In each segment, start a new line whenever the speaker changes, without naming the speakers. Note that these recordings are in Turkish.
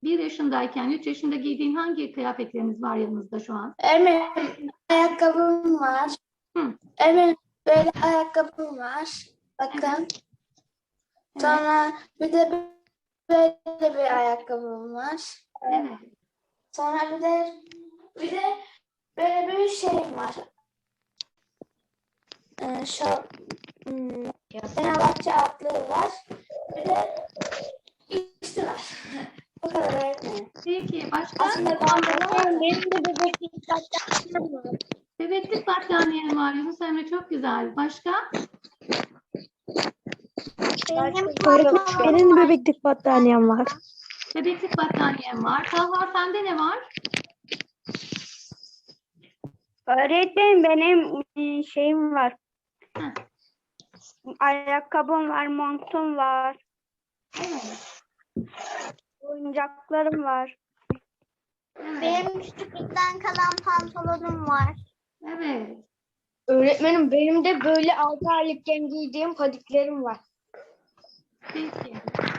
1 yaşındayken 3 yaşında giydiğin hangi kıyafetleriniz var yanınızda şu an?
Öğretmenim ayakkabım var.
Hı.
Öğretmenim böyle ayakkabım var. Bakın. Sonra bir de böyle bir ayakkabım var.
Evet.
Sonra bir de böyle bir şeyim var. Şu Fenerbahçe atlığı var. Bir de üstü var. Bu kadar öğretmenim.
Peki başka?
Aslında ben
Benim de bebeklik battaniyem var.
Bebeklik battaniyen var Yunus Emre, çok güzel. Başka?
Benim de bebeklik battaniyem var.
Bebeklik battaniyen var. Talha sende ne var?
Öğretmenim benim şeyim var.
Heh.
Ayakkabım var, montum var,
Evet.
oyuncaklarım var.
Evet.
Benim küçüklükten kalan pantolonum var.
Evet.
Öğretmenim benim de böyle 6 aylıkken giydiğim padiklerim var.
Peki.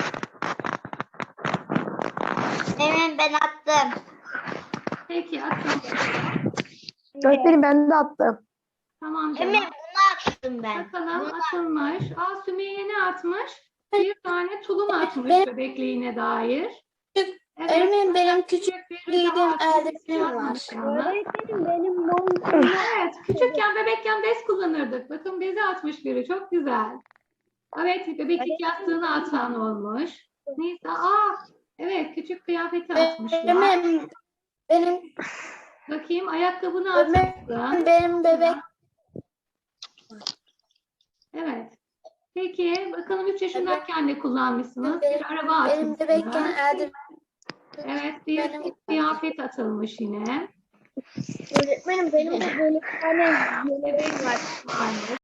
Benim ben attım.
Peki atın.
Öğretmenim ben de attım.
Tamam canım.
Emin bunu attım ben.
Bakalım atılmış. Sümeyye ne atmış? Bir tane tulum atmış
Benim-
bebekliğine dair.
Öğretmenim benim küçük
bir
giydiğim
daha atmış,
eldivenim var.
atmamış yalnız.
Öğretmenim benim montum
Evet, küçükken bebekken bez kullanırdık. Bakın bezi atmış biri, çok güzel. Evet, bebeklik yastığını atan olmuş. Nisa, evet, küçük kıyafeti atmışlar.
Benim
Bakayım, ayakkabını
Öğretmenim,
atmışsın.
benim bebek
Evet. Peki, bakalım 3 yaşındayken de kullanmışsınız.
Benim-
Bir araba
benim
atmışsınız.
bebekken eldivenim
Evet, bir
benim-
kıyafet atılmış yine.
Öğretmenim benim de böyle bir tane yeleğim var.
Varmış.